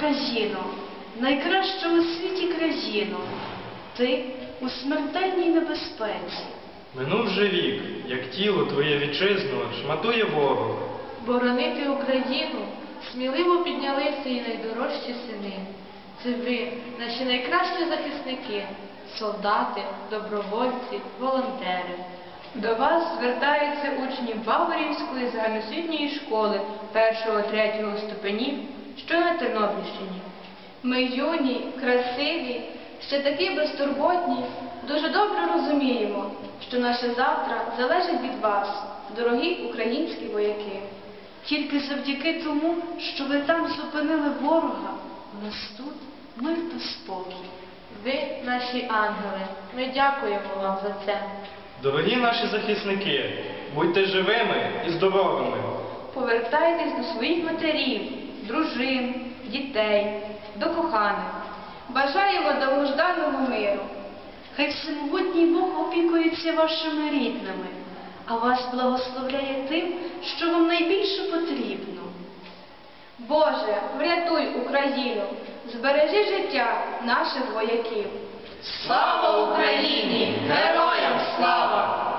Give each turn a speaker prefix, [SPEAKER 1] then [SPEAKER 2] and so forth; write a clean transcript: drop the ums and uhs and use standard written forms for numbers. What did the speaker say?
[SPEAKER 1] Україно, найкраща у світі країно, ти у смертельній небезпеці.
[SPEAKER 2] Минув же вік, як тіло твоє вітчизну шматує ворог.
[SPEAKER 3] Боронити Україну сміливо піднялися і найдорожчі сини. Це ви, наші найкращі захисники, солдати, добровольці, волонтери.
[SPEAKER 4] До вас звертаються учні Баварівської загальноосвітньої школи 1-3 ступенів, що на Тернопільщині. Ми юні, красиві, ще такі безтурботні, дуже добре розуміємо, що наше завтра залежить від вас, дорогі українські вояки.
[SPEAKER 1] Тільки завдяки тому, що ви там зупинили ворога, у нас тут мир та спокій.
[SPEAKER 3] Ви наші ангели, ми дякуємо вам за це.
[SPEAKER 2] Дорогі наші захисники, будьте живими і здоровими.
[SPEAKER 4] Повертайтесь до своїх матерів, дружин, дітей, до коханих. Бажаємо довгожданого миру.
[SPEAKER 1] Хай всемогутній Бог опікується вашими рідними, а вас благословляє тим, що вам найбільше потрібно.
[SPEAKER 4] Боже, врятуй Україну, збережи життя наших вояків.
[SPEAKER 5] Слава Україні! Героям слава!